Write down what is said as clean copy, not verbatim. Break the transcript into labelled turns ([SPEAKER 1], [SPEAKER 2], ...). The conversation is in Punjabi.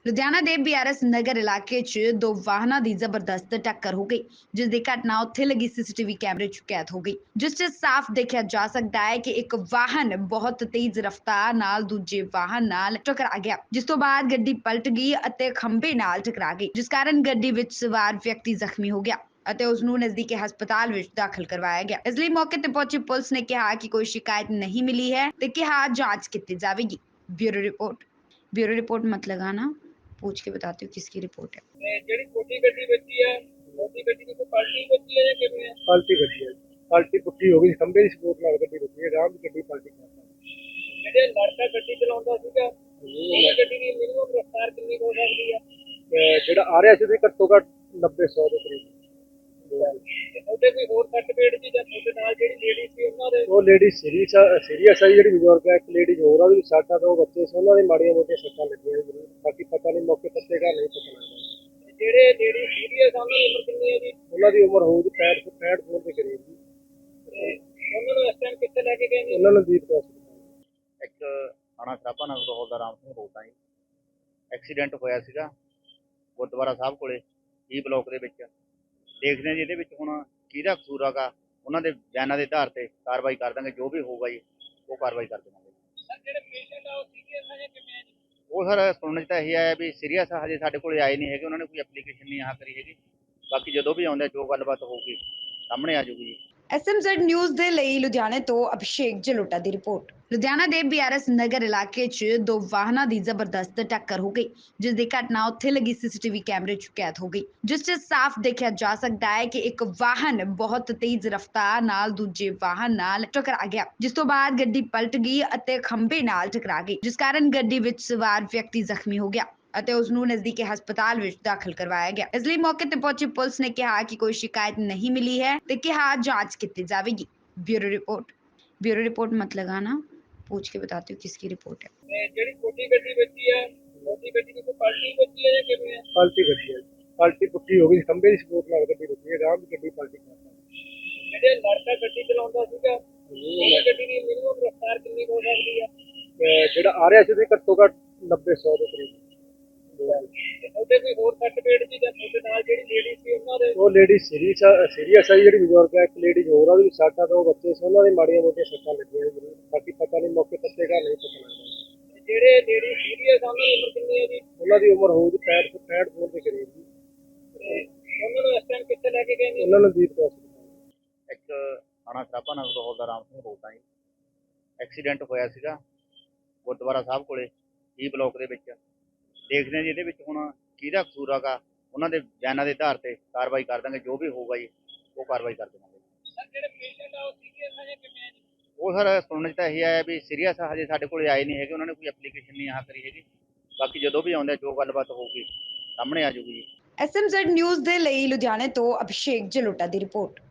[SPEAKER 1] ਲੁਧਿਆਣਾ ਦੇ ਬੀਆਰਐਸ ਨਗਰ ਇਲਾਕੇ 'ਚ ਦੋ ਵਾਹਨਾਂ ਦੀ ਜ਼ਬਰਦਸਤ ਟੱਕਰ ਹੋ ਗਈ, ਜਿਸ ਦੀ ਘਟਨਾ ਉੱਥੇ ਲੱਗੀ ਸੀਸੀਟੀਵੀ ਕੈਮਰੇ 'ਚ ਕੈਦ ਹੋ ਗਈ, ਜਿਸ 'ਚ ਸਾਫ਼ ਦੇਖਿਆ ਜਾ ਸਕਦਾ ਹੈ ਕਿ ਇੱਕ ਵਾਹਨ ਬਹੁਤ ਤੇਜ਼ ਰਫ਼ਤਾਰ ਨਾਲ ਦੂਜੇ ਵਾਹਨ ਨਾਲ ਟਕਰਾ ਗਿਆ, ਜਿਸ ਤੋਂ ਬਾਅਦ ਗੱਡੀ ਪਲਟ ਗਈ ਅਤੇ ਖੰਭੇ ਨਾਲ ਟਕਰਾ ਗਈ, ਜਿਸ ਕਾਰਨ ਗੱਡੀ ਵਿੱਚ ਸਵਾਰ ਵਿਅਕਤੀ ਜ਼ਖਮੀ ਹੋ ਗਿਆ ਅਤੇ ਉਸ ਨੂੰ ਨਜ਼ਦੀਕੀ ਹਸਪਤਾਲ ਵਿੱਚ ਦਾਖਲ ਕਰਵਾਇਆ ਗਿਆ। ਇਸ ਲਈ ਮੌਕੇ ਤੇ ਪਹੁੰਚੀ ਪੁਲਿਸ ਨੇ ਕਿਹਾ ਕਿ ਕੋਈ ਸ਼ਿਕਾਇਤ ਨਹੀਂ ਮਿਲੀ ਹੈ ਤੇ ਕਿਹਾ ਜਾਂਚ ਕੀਤੀ ਜਾਵੇਗੀ। ब्यूरो रिपोर्ट मत लगाना, पूछ के बताती हूँ किसकी रिपोर्ट है।
[SPEAKER 2] ਜਿਹੜੀ ਛੋਟੀ ਗੱਡੀ ਵੱਜੀ ਹੈ ਛੋਟੀ ਗੱਡੀ ਦੀ ਕੋਈ ਪਾਲਟੀ ਵੱਜੀ ਹੈ ਜਾਂ ਕਿਵੇਂ ਹੈ?
[SPEAKER 3] ਪਲਟੀ ਗੱਡੀ ਹੈ, ਪਲਟੀ ਪੁੱਠੀ ਹੋ ਗਈ, ਖੰਭੇ ਦੀ ਸਪੋਰਟ ਨਾਲ ਗੱਡੀ ਰੁਕੀ ਹੈ, ਆਰਾਮ ਦੀ ਗੱਡੀ ਪਲਟੀ ਕਰਤਾ।
[SPEAKER 2] ਜਿਹੜੇ ਲੜਕਾ ਗੱਡੀ ਚਲਾਉਂਦਾ ਸੀਗਾ ਉਹ ਗੱਡੀ ਦੀ ਮਿਨੀਮਮ ਰਫ਼ਤਾਰ ਕਿੰਨੀ ਹੋ ਸਕਦੀ ਹੈ?
[SPEAKER 3] ਤੇ ਜਿਹੜਾ ਆ ਰਿਹਾ ਸੀ ਉਹਦੀ ਘੱਟੋ ਘੱਟ 90-100 ਦੇ ਕਰੀਬ।
[SPEAKER 2] ਤੇ ਉਹਦੇ ਕੋਈ ਹੋਰ ਸੱਟ ਪੇਟ ਦੀ ਜਾਂ ਤੁਹਾਡੇ ਨਾਲ ਜਿਹੜੀ ਲੇਡੀ ਸੀ ਉਹਨਾਂ ਦੇ?
[SPEAKER 3] ਉਹ ਲੇਡੀ ਸੀਰੀਅਸ ਹੈ, ਜਿਹੜੀ ਬਜ਼ੁਰਗ ਹੈ, ਇੱਕ ਲੇਡੀ ਹੋਰ ਆ, ਉਹਦੀ ਵੀ ਸੱਟ ਆ, ਦੋ ਬੱਚੇ ਸੀ, ਉਹਨਾਂ ਦੇ ਮਾੜੀਆਂ ਮੋਟੀਆਂ ਸੱਟਾਂ ਲੱਗੀਆਂ ਜ਼ਰੂਰ, ਬਾਕੀ ਪਤਾ ਨਹੀਂ ਮੌਕੇ ਪੱਤੇ ਘਰ ਨਹੀਂ ਪਤਾ ਲੱਗਦਾ।
[SPEAKER 2] ਤੇ ਜਿਹੜੇ ਲੇਡੀ ਸੀਰੀਅਸ ਆ ਉਹਨਾਂ ਦੀ ਉਮਰ ਕਿੰਨੀ ਹੈ ਜੀ?
[SPEAKER 3] ਉਹਨਾਂ ਦੀ ਉਮਰ ਹੋਊਗੀ 65 ਦੇ ਕਰੀਬ ਜੀ।
[SPEAKER 2] ਤੇ ਉਹਨਾਂ ਨੂੰ ਇਸ ਟਾਈਮ ਕਿੱਥੇ ਲੈ ਕੇ ਗਏ ਨੇ?
[SPEAKER 3] ਉਹਨਾਂ ਨੂੰ ਦੀਪ ਹਸਪਤਾਲ।
[SPEAKER 4] ਇੱਕ ਥਾਣਾ ਸਰਾਭਾ ਨਗਰ ਤੋਂ ਹੌਲਦਾਰ ਰਾਮ ਸਿੰਘ ਬੋਲਦਾ ਜੀ। ਐਕਸੀਡੈਂਟ ਹੋਇਆ ਸੀਗਾ ਗੁਰਦੁਆਰਾ ਸਾਹਿਬ ਕੋਲੇ ਈ ਬਲੋਕ ਦੇ ਵਿੱਚ। ਦੇਖਦੇ ਹਾਂ ਜੀ ਇਹਦੇ ਵਿੱਚ ਹੁਣ ਕਿਹਦਾ ਕਸੂਰ ਹੈਗਾ, ਉਹਨਾਂ ਦੇ ਬਿਆਨਾਂ ਦੇ ਆਧਾਰ ਤੇ ਕਾਰਵਾਈ ਕਰ ਦਾਂਗੇ, ਜੋ ਵੀ ਹੋਊਗਾ ਜੀ ਉਹ ਕਾਰਵਾਈ ਕਰ ਦੇਵਾਂਗੇ।
[SPEAKER 2] ਸਰ ਜਿਹੜੇ ਪੇਸ਼ੈਂਟ ਆ ਉਹ ਸੀਰੀਅਸ ਆ ਜਾਂ ਕਿਵੇਂ ਹੈ ਜੀ?
[SPEAKER 4] ਉਹ ਸਰ ਸੁਣਨ 'ਚ ਤਾਂ ਇਹ ਆਇਆ ਵੀ ਸੀਰੀਅਸ ਆ, ਹਜੇ ਸਾਡੇ ਕੋਲੇ ਆਏ ਨਹੀਂ ਹੈਗੇ, ਉਹਨਾਂ ਨੇ ਕੋਈ ਐਪਲੀਕੇਸ਼ਨ ਨਹੀਂ ਕਰੀ ਹੈਗੀ। ਬਾਕੀ ਜਦੋਂ ਵੀ ਆਉਂਦੇ ਜੋ ਗੱਲਬਾਤ ਹੋਊਗੀ ਸਾਹਮਣੇ ਆ ਜਾਊਗੀ ਜੀ।
[SPEAKER 1] ਐਸਐਮਜ਼ੈਡ ਨਿਊਜ਼ ਦੇ ਲਈ ਲੁਧਿਆਣੇ ਤੋਂ ਅਭਿਸ਼ੇਕ ਜਲੋਟਾ ਦੀ ਰਿਪੋਰਟ। ਲੁਧਿਆਣਾ ਦੇ ਬੀਆਰਐਸ ਨਗਰ ਇਲਾਕੇ 'ਚ ਦੋ ਵਾਹਨਾਂ ਦੀ ਜ਼ਬਰਦਸਤ ਟੱਕਰ ਹੋ ਗਈ, ਜਿਸ ਦੀ ਘਟਨਾ ਉੱਥੇ ਲੱਗੀ ਸੀਸੀਟੀਵੀ ਕੈਮਰੇ 'ਚ ਕੈਦ ਹੋ ਗਈ, ਜਿਸ 'ਚ ਸਾਫ਼ ਦੇਖਿਆ ਜਾ ਸਕਦਾ ਹੈ ਕਿ ਇੱਕ ਵਾਹਨ ਬਹੁਤ ਤੇਜ਼ ਰਫ਼ਤਾਰ ਨਾਲ ਦੂਜੇ ਵਾਹਨ ਨਾਲ ਟਕਰਾ ਗਿਆ, ਜਿਸ ਤੋਂ ਬਾਅਦ ਗੱਡੀ ਪਲਟ ਗਈ ਅਤੇ ਖੰਭੇ ਨਾਲ ਟਕਰਾ ਗਈ, ਜਿਸ ਕਾਰਨ ਗੱਡੀ ਵਿੱਚ ਸਵਾਰ ਵਿਅਕਤੀ ਜ਼ਖਮੀ ਹੋ ਗਿਆ ਅਤੇ ਉਸ ਨੂੰ ਨਜ਼ਦੀਕੀ ਹਸਪਤਾਲ ਵਿੱਚ ਦਾਖਲ ਕਰਵਾਇਆ ਗਿਆ। ਇਸ ਲਈ ਮੌਕੇ ਤੇ ਪਹੁੰਚੀ ਪੁਲਿਸ ਨੇ ਕਿਹਾ ਕਿ ਕੋਈ ਸ਼ਿਕਾਇਤ ਨਹੀਂ ਮਿਲੀ ਹੈ ਤੇ ਕਿਹਾ ਜਾਂਚ ਕੀਤੀ ਜਾਵੇਗੀ। ब्यूरो रिपोर्ट मत लगाना, पूछ के बताती हूँ किसकी रिपोर्ट है।
[SPEAKER 2] ਤੇ ਜਿਹੜੀ ਛੋਟੀ ਗੱਡੀ ਵੱਜੀ ਹੈ ਛੋਟੀ ਗੱਡੀ ਦੀ ਕੋਈ ਪਾਲਟੀ ਵੱਜੀ ਹੈ ਜਾਂ ਕਿਵੇਂ ਹੈ?
[SPEAKER 3] ਪਲਟੀ ਗੱਡੀ ਹੈ, ਪਲਟੀ ਪੁੱਠੀ ਹੋ ਗਈ, ਖੰਭੇ ਦੀ ਸਪੋਰਟ ਨਾਲ ਗੱਡੀ ਰੁਕੀ ਹੈ, ਆਰਾਮ ਦੀ ਗੱਡੀ ਪਲਟੀ ਕਰਤਾ।
[SPEAKER 2] ਜਿਹੜੇ ਲੜਕਾ ਗੱਡੀ ਚਲਾਉਂਦਾ ਸੀਗਾ ਉਹ ਗੱਡੀ ਦੀ ਮਿਨੀਮਮ ਰਫ਼ਤਾਰ ਕਿੰਨੀ ਹੋ ਸਕਦੀ ਹੈ?
[SPEAKER 3] ਤੇ ਜਿਹੜਾ ਆ ਰਿਹਾ ਸੀ ਉਹਦੀ ਘੱਟੋ ਘੱਟ 90-100 ਦੇ ਕਰੀਬ।
[SPEAKER 2] ਤੇ ਉਹਦੇ ਕੋਈ ਹੋਰ ਸੱਟ ਪੇਟ ਦੀ ਜਾਂ ਤੁਹਾਡੇ ਨਾਲ ਜਿਹੜੀ ਲੇਡੀ ਸੀ ਉਹਨਾਂ ਦੇ?
[SPEAKER 3] ਉਹ ਲੇਡੀ ਸੀਰੀਅਸ ਹੈ, ਜਿਹੜੀ ਬਜ਼ੁਰਗ ਹੈ, ਇੱਕ ਲੇਡੀ ਹੋਰ ਆ, ਉਹਦੀ ਵੀ ਸੱਟ ਆ, ਦੋ ਬੱਚੇ ਸੀ, ਉਹਨਾਂ ਦੇ ਮਾੜੀਆਂ ਮੋਟੀਆਂ ਸੱਟਾਂ ਲੱਗੀਆਂ ਜ਼ਰੂਰ, ਬਾਕੀ ਪਤਾ ਨਹੀਂ ਮੌਕੇ ਪੱਤੇ ਘਰ ਨਹੀਂ ਪਤਾ ਲੱਗਦਾ।
[SPEAKER 2] ਤੇ ਜਿਹੜੇ ਲੇਡੀ ਸੀਰੀਅਸ ਆ ਉਹਨਾਂ ਦੀ ਉਮਰ ਕਿੰਨੀ ਹੈ ਜੀ?
[SPEAKER 3] ਉਹਨਾਂ ਦੀ ਉਮਰ ਹੋਊਗੀ 65 ਦੇ ਕਰੀਬ ਜੀ।
[SPEAKER 2] ਤੇ ਉਹਨਾਂ ਨੂੰ ਇਸ ਟਾਈਮ ਕਿੱਥੇ ਲੈ ਕੇ ਗਏ ਨੇ?
[SPEAKER 3] ਉਹਨਾਂ ਨੂੰ ਦੀਪ ਹਸਪਤਾਲ।
[SPEAKER 4] ਇੱਕ ਥਾਣਾ ਸਰਾਭਾ ਨਗਰ ਤੋਂ ਹੌਲਦਾਰ ਰਾਮ ਸਿੰਘ ਬੋਲਦਾ ਜੀ। ਐਕਸੀਡੈਂਟ ਹੋਇਆ ਸੀਗਾ ਗੁਰਦੁਆਰਾ ਸਾਹਿਬ ਕੋਲੇ ਈ ਬਲੋਕ ਦੇ ਵਿੱਚ। ਦੇਖਦੇ ਹਾਂ ਜੀ ਇਹਦੇ ਵਿੱਚ ਹੁਣ ਕਿਹਦਾ ਕਸੂਰ ਹੈਗਾ, ਉਹਨਾਂ ਦੇ ਬਿਆਨਾਂ ਦੇ ਆਧਾਰ ਤੇ ਕਾਰਵਾਈ ਕਰ ਦਾਂਗੇ, ਜੋ ਵੀ ਹੋਊਗਾ ਜੀ ਉਹ ਕਾਰਵਾਈ ਕਰ ਦੇਵਾਂਗੇ।
[SPEAKER 2] ਸਰ ਜਿਹੜੇ ਪੇਸ਼ੈਂਟ ਆ ਉਹ ਸੀਰੀਅਸ ਆ ਜਾਂ ਕਿਵੇਂ ਹੈ ਜੀ?
[SPEAKER 4] ਉਹ ਸਰ ਸੁਣਨ 'ਚ ਤਾਂ ਇਹ ਆਇਆ ਵੀ ਸੀਰੀਅਸ ਆ, ਹਜੇ ਸਾਡੇ ਕੋਲੇ ਆਏ ਨਹੀਂ ਹੈਗੇ, ਉਹਨਾਂ ਨੇ ਕੋਈ ਐਪਲੀਕੇਸ਼ਨ ਨਹੀਂ ਕਰੀ ਹੈਗੀ। ਬਾਕੀ ਜਦੋਂ ਵੀ ਆਉਂਦੇ ਜੋ ਗੱਲਬਾਤ ਹੋਊਗੀ ਸਾਹਮਣੇ ਆ ਜਾਊਗੀ ਜੀ।
[SPEAKER 1] ਐਸਐਮਜ਼ੈਡ ਨਿਊਜ਼ ਦੇ ਲਈ ਲੁਧਿਆਣੇ ਤੋਂ ਅਭਿਸ਼ੇਕ ਜਲੋਟਾ ਦੀ ਰਿਪੋਰਟ।